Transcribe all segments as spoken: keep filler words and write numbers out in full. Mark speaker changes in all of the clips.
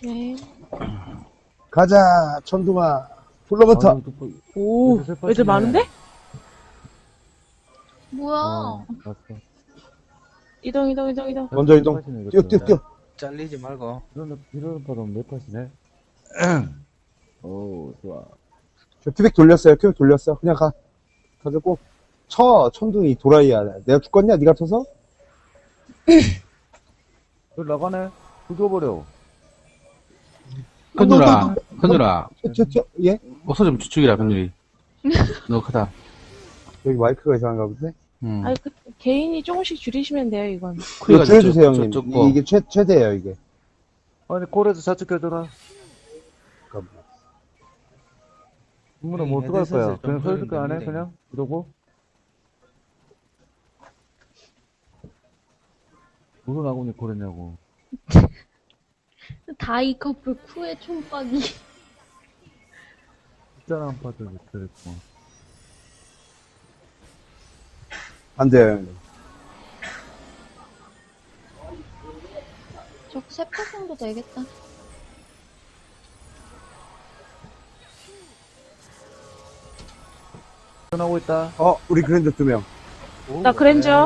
Speaker 1: 네.
Speaker 2: 가자, 천둥아. 불러부터.
Speaker 3: 아, 또,
Speaker 1: 오,
Speaker 3: 애들
Speaker 1: 애들
Speaker 3: 슬퍼지네.
Speaker 1: 많은데?
Speaker 4: 뭐야?
Speaker 3: 어, 맞어.
Speaker 1: 이동, 이동, 이동, 이동.
Speaker 2: 먼저 이동.
Speaker 3: 슬퍼지네,
Speaker 2: 뛰어,
Speaker 3: 이것도.
Speaker 2: 뛰어, 뛰어.
Speaker 5: 잘리지 말고.
Speaker 3: 이런, 이런 바로 몇 팟이네? 오, 좋아.
Speaker 2: 저 큐빅 돌렸어요, 큐빅 돌렸어. 그냥 가. 가지고. 쳐, 천둥이 도라이야. 내가 죽겠냐, 니가 쳐서?
Speaker 3: 여기 나가네? 죽여버려.
Speaker 6: 현준아, 현준아,
Speaker 2: 튀어, 튀어, 튀어. 예?
Speaker 6: 어서 좀 주축이라, 현준이. 너무 크다.
Speaker 2: 여기 마이크가 이상한가 본데?
Speaker 6: 음.
Speaker 1: 아니, 그, 개인이 조금씩 줄이시면 돼요, 이건.
Speaker 2: 이거 줄여주세요, 형님.
Speaker 6: 저, 저, 저,
Speaker 2: 이게 최, 최대예요, 이게.
Speaker 3: 아니, 콜에서 좌측 껴줘라.
Speaker 2: 잠깐만.
Speaker 3: 이문은 뭐 어떡할
Speaker 5: 애들
Speaker 3: 거야?
Speaker 5: 슬슬
Speaker 3: 그냥
Speaker 5: 좀
Speaker 3: 서있을 거 안 해?
Speaker 5: 보이는데.
Speaker 3: 그냥? 이러고? 무슨 아군이 콜했냐고.
Speaker 4: 다이 커플 쿠의 촌박이.
Speaker 3: 숫자나 한 파도 못했고.
Speaker 2: 안 돼요, 형님.
Speaker 4: 저세 파 정도 되겠다.
Speaker 3: 전하고 있다.
Speaker 2: 어, 우리 그랜저 두 명.
Speaker 1: 나 그랜저.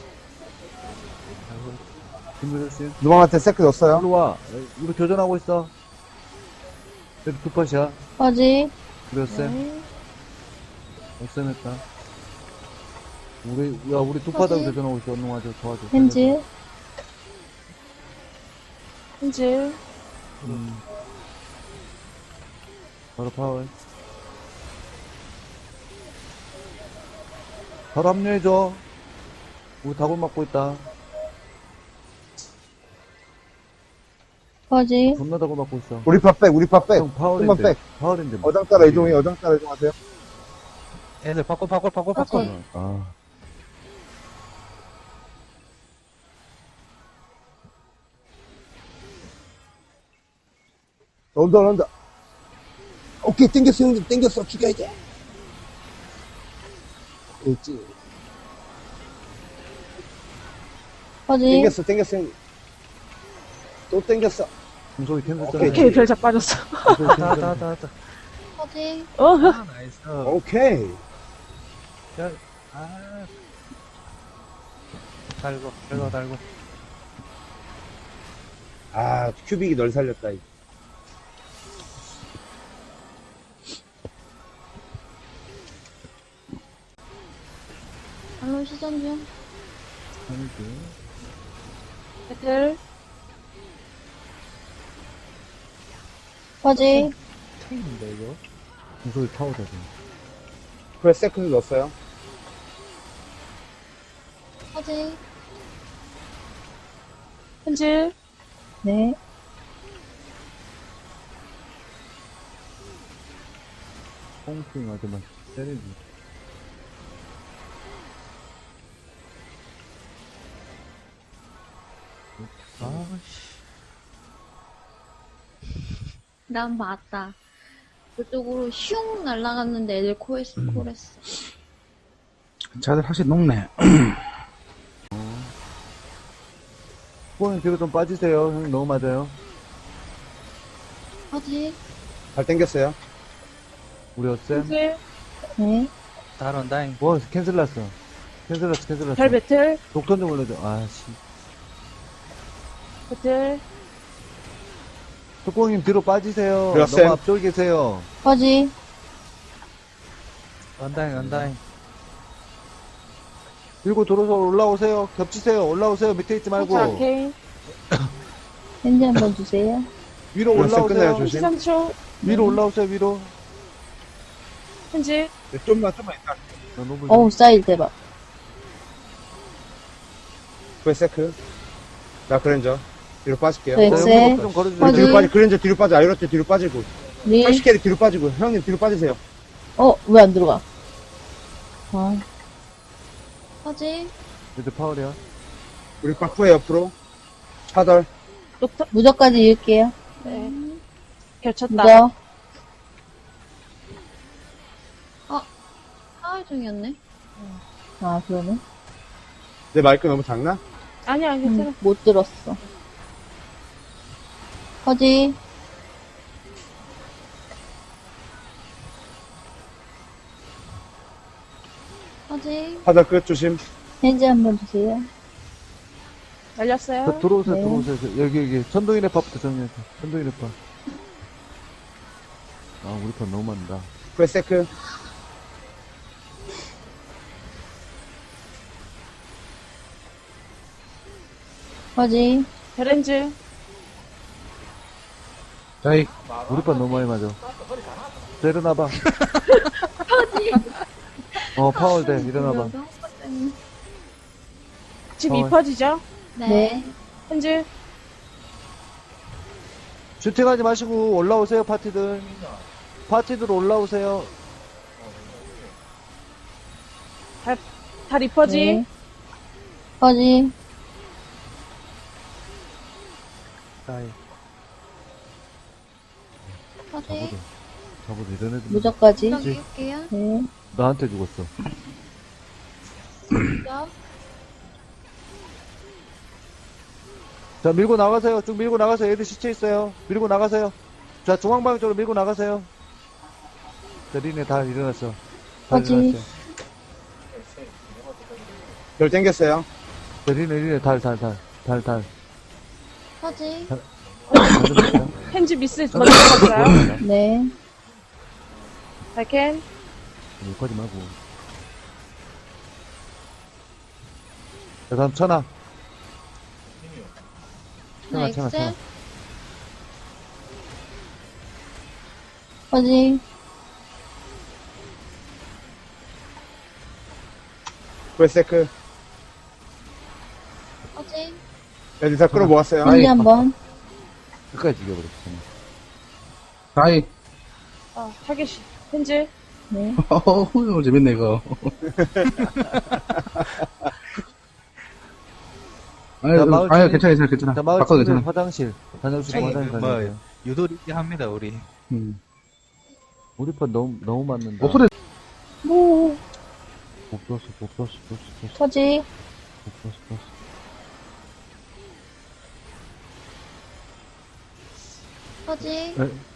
Speaker 3: 김민호 씨.
Speaker 2: 누방한테 세크 넣었어요.
Speaker 3: 일로 와. 우리 교전하고 있어. 여기 두 팟이야.
Speaker 4: 뭐지?
Speaker 3: 우리 쌤.
Speaker 1: 네.
Speaker 3: 쌤 했다. 우리, 야, 우리 두 파다고
Speaker 4: 뭐지?
Speaker 3: 교전하고 있어. 언능 와줘, 도와줘.
Speaker 4: 렌즈.
Speaker 1: 현질.
Speaker 3: 음. 바로 파워. 바로 합류해줘. 우리 다골 맞고 있다.
Speaker 4: 뭐지?
Speaker 3: 존나 다골 맞고 있어.
Speaker 2: 우리 파 백, 우리 파 백.
Speaker 3: 형,
Speaker 2: 좀만
Speaker 3: 파워랜드.
Speaker 2: 백.
Speaker 3: 파워랜드.
Speaker 2: 어장 따라 이동해, 어장 따라 이동하세요.
Speaker 5: 애들 바꿔, 바꿔, 바꿔, 바꿔.
Speaker 4: 맞지?
Speaker 3: 아.
Speaker 2: 온다, 온다. 오케이, 땡겼어, 형님. 땡겼어. 죽여야지. 있지.
Speaker 4: 뭐지?
Speaker 2: 땡겼어, 땡겼어, 형님. 또 땡겼어.
Speaker 3: 공소리 캔슬
Speaker 2: 오케이.
Speaker 1: 오케이, 별작 빠졌어.
Speaker 5: 다, 다, 다, 다.
Speaker 4: 뭐지?
Speaker 1: 어,
Speaker 5: 아, 나이스.
Speaker 2: 오케이.
Speaker 5: 야, 아. 달고, 달고, 달고.
Speaker 2: 아, 큐빅이 널 살렸다. 이.
Speaker 4: 알론 시전 중.
Speaker 1: 배틀.
Speaker 4: 뭐지?
Speaker 5: 탱인데, 이거?
Speaker 3: 공소리 파워다, 지금.
Speaker 2: 그래, 세컨드 넣었어요.
Speaker 4: 뭐지?
Speaker 1: 현질.
Speaker 4: 네.
Speaker 3: 뽕핑 아주만 때리지.
Speaker 5: 아씨.
Speaker 4: 난 봤다. 그쪽으로 슝 날아갔는데 애들 코에스 콜했어.
Speaker 6: 자들 확실히 녹네.
Speaker 3: 후보님 뒤로 좀 빠지세요. 형님 너무 맞아요.
Speaker 4: 뭐지?
Speaker 2: 잘 땡겼어요.
Speaker 3: 우리 어쌤.
Speaker 1: 현질.
Speaker 4: 네.
Speaker 5: 다른 다잉.
Speaker 3: 뭐, 캔슬 났어. 캔슬 났어, 캔슬 났어.
Speaker 1: 별 배틀.
Speaker 3: 독턴 좀 올려줘. 아씨.
Speaker 1: 배틀.
Speaker 3: 특공님 뒤로 빠지세요.
Speaker 2: 들어갔어요?
Speaker 3: 너무 앞쪽에 계세요.
Speaker 4: 뭐지?
Speaker 5: 언다잉, 언다잉.
Speaker 3: 밀고 들어서 올라오세요. 겹치세요. 올라오세요. 밑에 있지 말고.
Speaker 1: 자, 케인.
Speaker 4: 렌즈 한번 주세요.
Speaker 3: 위로
Speaker 2: 그래서 끝내요,
Speaker 3: 올라오세요.
Speaker 2: 조심.
Speaker 1: 시삼 초.
Speaker 3: 위로 올라오세요, 위로.
Speaker 1: 현질.
Speaker 2: 네, 좀만, 좀만 있다.
Speaker 3: 나 너무
Speaker 4: 어우, 사이즈 대박.
Speaker 2: 그래, 세크. 나 그랜저. 뒤로 빠질게요.
Speaker 4: 네.
Speaker 3: 자,
Speaker 4: 엑셀.
Speaker 3: 형님 좀 걸어주세요.
Speaker 4: 어디?
Speaker 2: 뒤로 빠지, 그랜저 뒤로 빠져. 아이로트 뒤로 빠지고.
Speaker 4: 네.
Speaker 2: 팔십 캐리 뒤로 빠지고. 형님 뒤로 빠지세요.
Speaker 4: 어, 왜 안 들어가? 아. 뭐지?
Speaker 3: 이제 파울이야.
Speaker 2: 우리 바쿠에 옆으로. 차덜.
Speaker 1: 녹턴.
Speaker 4: 무적까지 이을게요.
Speaker 1: 네. 겹쳤다.
Speaker 4: 무적. 아, 하울 중이었네. 아, 그러네.
Speaker 2: 내 마이크 너무 작나?
Speaker 1: 아니야, 괜찮아.
Speaker 4: 음, 못 들었어. 퍼지. 퍼지.
Speaker 2: 바닥 끝 조심.
Speaker 4: 핸즈 한번 주세요.
Speaker 1: 날렸어요.
Speaker 3: 자, 들어오세요,
Speaker 4: 네.
Speaker 3: 들어오세요. 저, 여기, 여기. 천둥이네 파부터 정리해. 천둥이네 파. 아, 우리 편 너무 많다.
Speaker 2: 프레세크.
Speaker 4: 퍼지.
Speaker 1: 베렌즈.
Speaker 6: 자이.
Speaker 3: 우리 편 너무 많이 맞아. 자, 일어나봐. 어, 파울 돼. 일어나봐.
Speaker 1: 지금
Speaker 3: 어.
Speaker 1: 이 퍼지죠?
Speaker 4: 네.
Speaker 1: 렌즈.
Speaker 3: 슈팅하지 마시고 올라오세요, 파티들. 파티들 올라오세요.
Speaker 1: 달 이 퍼지.
Speaker 4: 네. 퍼지.
Speaker 5: 다이.
Speaker 4: 퍼지.
Speaker 3: 잡아도, 잡아도 이런 애들.
Speaker 4: 무적까지.
Speaker 7: 띄울게요.
Speaker 4: 네.
Speaker 3: 나한테 죽었어.
Speaker 7: 무적.
Speaker 3: 자, 밀고 나가세요. 쭉 밀고 나가세요. 애들 시체 있어요. 밀고 나가세요. 자, 중앙방 쪽으로 밀고 나가세요. 자, 리네 다 일어났어. 다
Speaker 4: 어디?
Speaker 3: 일어났어요.
Speaker 2: 별 땡겼어요.
Speaker 3: 자, 리네, 리네, 달, 달, 달. 달, 달.
Speaker 7: 퍼지.
Speaker 3: 달 들어갔어요.
Speaker 1: 핸즈 미스 먼저 들어갔어요.
Speaker 4: 네.
Speaker 1: 발캔.
Speaker 3: 여기까지 말고. 자, 다음 천하. 천하,
Speaker 7: 네,
Speaker 3: 천하, 천하.
Speaker 7: 엑셀.
Speaker 4: 퍼지.
Speaker 2: 프레세크.
Speaker 7: 퍼지.
Speaker 2: 애들 다 끌어모았어요.
Speaker 4: 핸즈 한번.
Speaker 3: 끝까지 죽여버렸어.
Speaker 6: 자이.
Speaker 1: 어, 타겟이. 핸즈.
Speaker 4: 네.
Speaker 6: 어우, 재밌네, 이거. 아니,
Speaker 3: 자, 마을
Speaker 6: 아유,
Speaker 3: 주민-
Speaker 6: 괜찮아, 괜찮아, 괜찮아.
Speaker 3: 자, 마을
Speaker 6: 바꿔도
Speaker 3: 친구들
Speaker 6: 괜찮아.
Speaker 3: 화장실. 다녀오시고
Speaker 5: 아니,
Speaker 3: 화장실
Speaker 5: 그 뭐,
Speaker 3: 가세요.
Speaker 5: 유도리 합니다, 우리.
Speaker 6: 음.
Speaker 3: 우리 편 너무, 너무 맞는다.
Speaker 6: 어, 그래.
Speaker 4: 오.
Speaker 3: 못 떴어, 못 떴어, 못 떴어,
Speaker 4: 퍼지.
Speaker 3: 못 떴어, 못 떴어.
Speaker 7: 퍼지.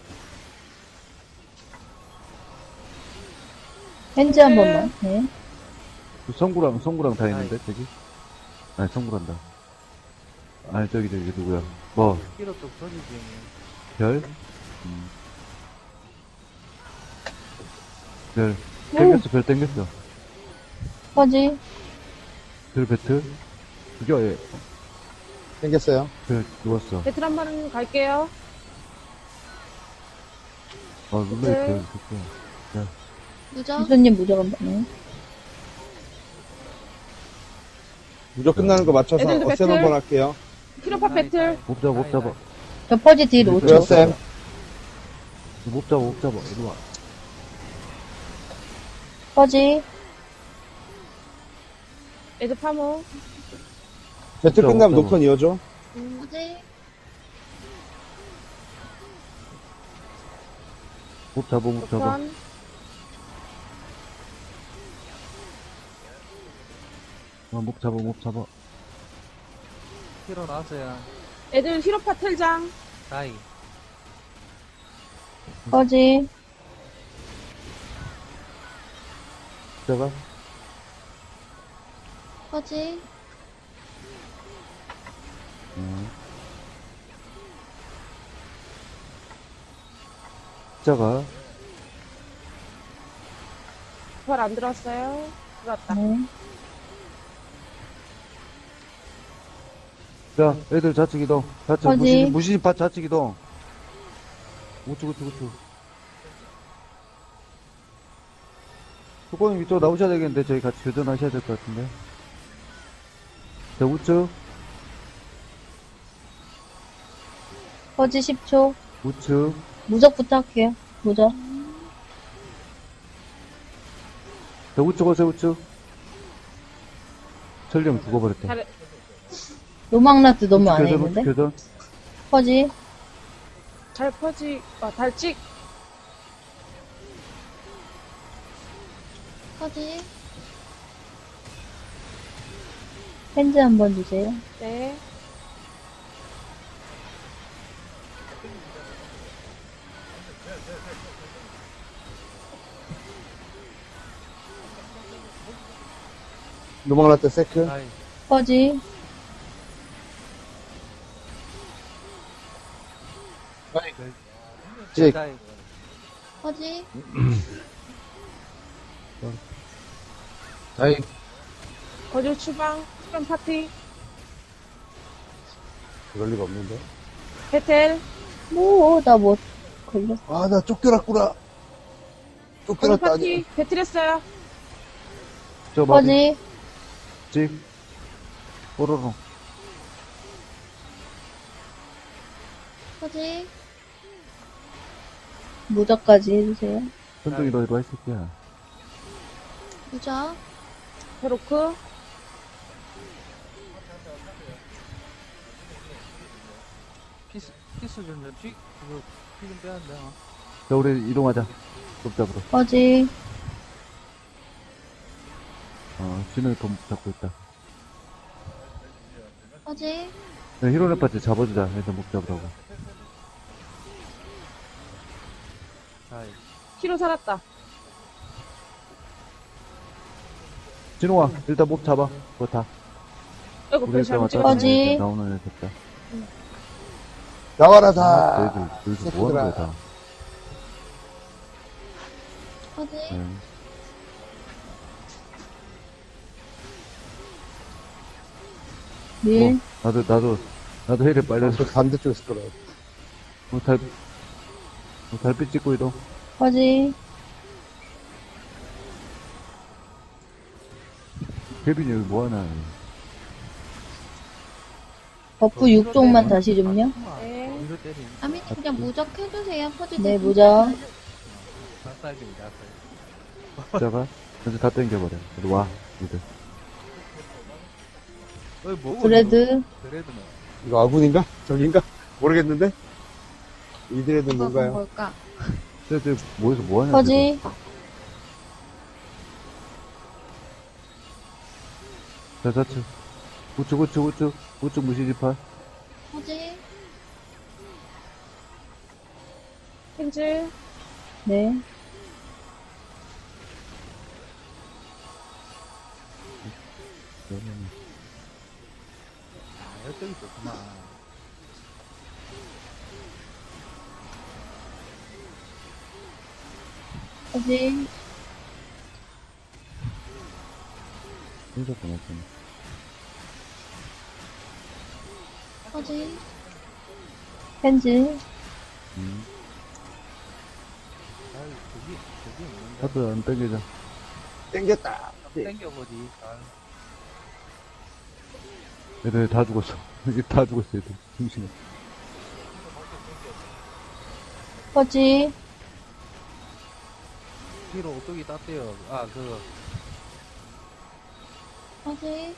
Speaker 4: 핸즈 한 번만. 네.
Speaker 3: 그 성구랑, 성구랑 다 있는데, 저기? 아니, 성구란다. 아니, 저기, 저기, 누구야? 뭐,
Speaker 5: 키로 쪽 소리지.
Speaker 3: 별? 음. 별. 땡겼어, 별 땡겼어.
Speaker 4: 퍼지.
Speaker 3: 별 배틀? 죽여, 얘.
Speaker 2: 땡겼어요.
Speaker 3: 별 누웠어.
Speaker 1: 배틀 한 번 갈게요.
Speaker 3: 아, 눌러,
Speaker 1: 네.
Speaker 3: 별, 죽여.
Speaker 7: 무적.
Speaker 4: 희수님 무적 한 번. 네.
Speaker 2: 무조 끝나는 거 맞춰서
Speaker 1: 애들도
Speaker 2: 어셈
Speaker 1: 배틀.
Speaker 2: 한번 할게요.
Speaker 1: 키로파 배틀.
Speaker 3: 못 잡아, 못 잡아.
Speaker 4: 저 퍼지 딜 오 초.
Speaker 2: 그렇쌤.
Speaker 3: 못 잡아, 못 잡아. 이리 와.
Speaker 4: 퍼지.
Speaker 1: 애들 파모.
Speaker 2: 배틀
Speaker 3: 없죠,
Speaker 2: 끝나면
Speaker 3: 없죠.
Speaker 2: 녹턴 이어줘.
Speaker 7: 퍼지.
Speaker 3: 못 잡아, 못 잡아.
Speaker 1: 녹턴.
Speaker 3: 아, 못 잡아, 못 잡아.
Speaker 5: 키로 나왔어요.
Speaker 1: 애들 히로파 텔장.
Speaker 5: 다이.
Speaker 4: 퍼지.
Speaker 3: 잡아.
Speaker 7: 퍼지.
Speaker 3: 음. 자가.
Speaker 1: 부활 안 들어왔어요. 들어왔다.
Speaker 4: 네.
Speaker 3: 자, 애들 좌측 이동. 좌측,
Speaker 4: 어디?
Speaker 3: 무신, 무신파 좌측 이동. 우측, 우측, 우측. 조금 이쪽 나오셔야 되겠는데, 저희 같이 교전하셔야 될 것 같은데. 자, 우측,
Speaker 4: 퍼지 십 초.
Speaker 3: 우측.
Speaker 4: 무적 부탁해요. 무적.
Speaker 3: 자, 우측 오세요, 우측. 설령 죽어버렸대.
Speaker 1: 잘,
Speaker 4: 노망라트 너무 안
Speaker 3: 교전, 우측
Speaker 4: 했는데.
Speaker 3: 교전.
Speaker 4: 퍼지.
Speaker 1: 잘 퍼지. 아, 달찍.
Speaker 7: 퍼지.
Speaker 4: 핸즈 한 번 주세요.
Speaker 1: 네.
Speaker 2: 노망라떼 세크.
Speaker 5: 다이.
Speaker 4: 퍼지,
Speaker 2: 찍.
Speaker 5: 다이.
Speaker 7: 퍼지,
Speaker 6: 다이.
Speaker 1: 거주 추방. 수련 파티.
Speaker 2: 그럴 리가 없는데.
Speaker 1: 배텔.
Speaker 4: 뭐, 나 뭐, 걸렸어.
Speaker 2: 아, 나 쫓겨났구나.
Speaker 1: 거주
Speaker 2: 쫓겨났다,
Speaker 1: 파티.
Speaker 2: 아니.
Speaker 1: 배틀했어요.
Speaker 3: 저 마비.
Speaker 4: 퍼지,
Speaker 3: 찍. 뽀로로.
Speaker 7: 퍼지,
Speaker 4: 무적까지 해주세요.
Speaker 3: 천둥이 너 이리 이 새끼야.
Speaker 7: 무적,
Speaker 1: 베로크.
Speaker 5: 피스, 피스 좀, 쥐, 그거, 피좀 빼야 돼. 어.
Speaker 3: 자, 우리 이동하자. 좁잡으로.
Speaker 4: 퍼지,
Speaker 3: 어, 진우이 돈 잡고 있다.
Speaker 7: 퍼지,
Speaker 3: 네, 히로네 파트 잡아주자. 애들 목 잡으라고.
Speaker 5: 다이.
Speaker 1: 히로 살았다.
Speaker 3: 진우아, 일단 목 잡아. 그거 다.
Speaker 1: 아이고,
Speaker 3: 우리
Speaker 1: 별
Speaker 3: 일단
Speaker 1: 잘못
Speaker 3: 왔다.
Speaker 1: 찍었네.
Speaker 4: 퍼지.
Speaker 3: 나오는 애 됐다.
Speaker 2: 나와라,
Speaker 3: 아,
Speaker 2: 다.
Speaker 3: 애들, 여기서 뭐 하는 거야, 다.
Speaker 7: 퍼지,
Speaker 3: 네.
Speaker 4: 밀,
Speaker 3: 어, 나도, 나도, 나도 헤이를 빨려서.
Speaker 2: 저 반대쪽에서 돌아.
Speaker 3: 어, 달, 어, 달빛 찍고 이동.
Speaker 4: 퍼지,
Speaker 3: 케빈이 여기 뭐하나.
Speaker 4: 버프 육 종만 다시 좀요.
Speaker 1: 네.
Speaker 5: 어디로 때리?
Speaker 7: 아미 그냥 무적 해주세요. 퍼지.
Speaker 4: 네,
Speaker 7: 대신.
Speaker 4: 무적.
Speaker 5: 나사이즈입니다, 나사이즈.
Speaker 3: 십자가. 이제 다 땡겨버려. 이리 와, 니들.
Speaker 5: 어이, 뭐?
Speaker 4: 브레드,
Speaker 5: 그래도는.
Speaker 2: 이거 아군인가? 저긴가? 모르겠는데? 이들에도
Speaker 7: 뭐가
Speaker 2: 뭔가요?
Speaker 7: 뭘까?
Speaker 3: 쟤, 쟤, 뭐해서 뭐하냐.
Speaker 4: 퍼지,
Speaker 3: 자, 좌측. 우측, 우측, 우측. 우측 무시지팔.
Speaker 7: 퍼지,
Speaker 1: 펜즈.
Speaker 4: 네,
Speaker 5: 아, 열정이 좋구만.
Speaker 4: 퍼지,
Speaker 3: 진짜 고맙습니다.
Speaker 7: 퍼지,
Speaker 4: 펜즈,
Speaker 3: 음.
Speaker 5: 아이, 저기, 저기 있는데.
Speaker 3: 하도 안 땡기자.
Speaker 2: 땡겼다.
Speaker 5: 땡겨보지. 아,
Speaker 3: 애들 다 죽었어. 이게 다 죽었어, 애들. 중심에.
Speaker 4: 퍼지,
Speaker 5: 뒤로 오뚜기 땄대요. 아, 그,
Speaker 7: 퍼지,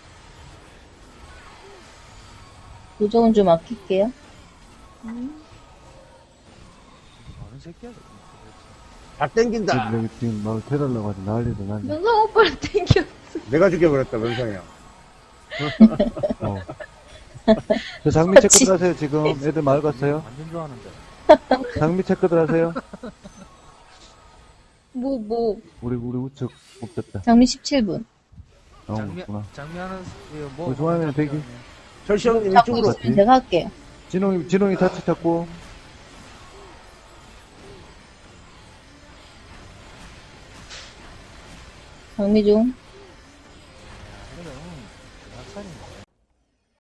Speaker 4: 무적은 좀 아낄게요.
Speaker 7: 음,
Speaker 5: 어느 새끼야, 저거.
Speaker 2: 다 땡긴다.
Speaker 3: 여기 지금 막 태달라고 하지. 난리도 난리.
Speaker 7: 명성 오빠를 땡겨.
Speaker 2: 내가 죽여버렸다, 원상이야.
Speaker 3: 어. 저 장미 체크들 하세요, 지금. 애들 마을 갔어요.
Speaker 5: 완전 좋아하는데.
Speaker 3: 장미 체크들 하세요.
Speaker 4: 뭐, 뭐,
Speaker 3: 우리, 우리 우측 못 됐다.
Speaker 4: 장미 십칠 분.
Speaker 5: 장미,
Speaker 3: 나오구나.
Speaker 5: 장미하는, 이거 뭐.
Speaker 3: 어, 좋아하면 대기.
Speaker 2: 철시 형님
Speaker 4: 잡고
Speaker 2: 이쪽으로.
Speaker 4: 있으면 제가 할게요.
Speaker 3: 진홍이, 진홍이 타치 잡고.
Speaker 4: 장미 중.
Speaker 5: 그래도, 낙살인